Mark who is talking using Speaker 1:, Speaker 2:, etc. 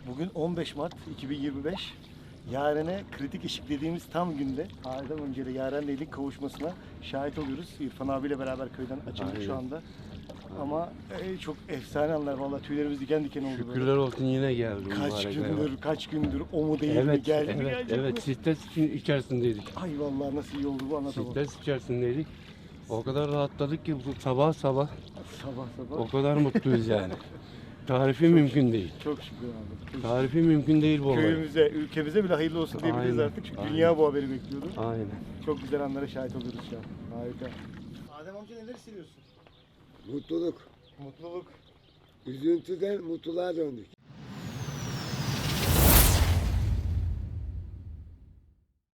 Speaker 1: Bugün 15 Mart 2025. Yaren'e kritik eşik dediğimiz tam günde aydan önce de Yaren'le ilk kavuşmasına şahit oluyoruz. İrfan abiyle beraber köyden açıldık
Speaker 2: Aynen.
Speaker 1: şu anda. Ama çok efsane anlar vallahi, tüylerimiz diken diken oldu böyle.
Speaker 2: Şükürler olsun yine geldi.
Speaker 1: Kaç gündür o mu değil mi,
Speaker 2: Evet,
Speaker 1: geldi mi,
Speaker 2: evet,
Speaker 1: gelecek mi?
Speaker 2: evet. Stres içerisindeydik.
Speaker 1: Ay vallahi nasıl iyi oldu bu, anlatamam.
Speaker 2: Stres içerisindeydik. O kadar rahatladık ki bu sabah
Speaker 1: Sabah
Speaker 2: o
Speaker 1: sabah.
Speaker 2: kadar mutluyuz yani. Tarifi mümkün değil.
Speaker 1: Çok şükür abi. Çok
Speaker 2: Tarifi mümkün değil bu olay.
Speaker 1: Köyümüze, ülkemize bile hayırlı olsun diyebiliriz
Speaker 2: Aynen,
Speaker 1: artık. Çünkü
Speaker 2: aynen.
Speaker 1: dünya bu haberi bekliyordu.
Speaker 2: Aynen.
Speaker 1: Çok güzel anlara şahit oluyoruz şu an. Harika. Adem amca neler hissediyorsun?
Speaker 3: Mutluluk.
Speaker 1: Mutluluk.
Speaker 3: Üzüntüden mutluluğa döndük.